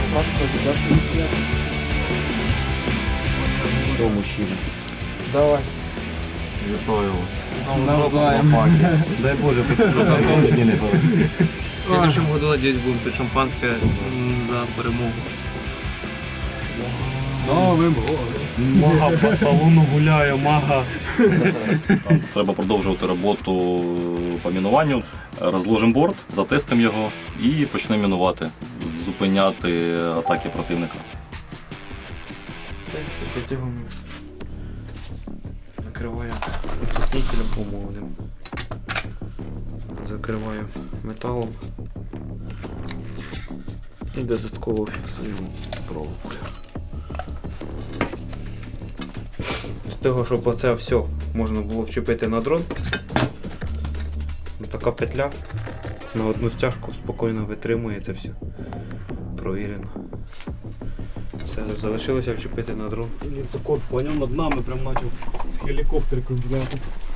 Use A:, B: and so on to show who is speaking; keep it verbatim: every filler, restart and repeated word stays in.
A: Все, мужчина.
B: Давай.
A: Вітаю вас.
B: Навзаєм.
A: Дай Боже, потім мені не говорить.
C: В следующем году, надеюсь, будем пить шампанское м, за перемогу.
B: Новим годом.
A: Мага по салону гуляє, мага.
D: Треба продовжувати роботу по мінуванню. Розложимо борт, затестимо його і почнемо мінувати, зупиняти атаки противника.
C: Все, після цього ми накриваю уплотнителем умовним. Закриваю металом і додатково фіксуємо проволокою. З того, щоб оце все можна було вчепити на дрон, така петля на одну стяжку спокійно витримує це все. Провірено. Все, залишилося вчепити на дрон.
A: Так от, поняв, над нами прям почав гелікоптер кружляти.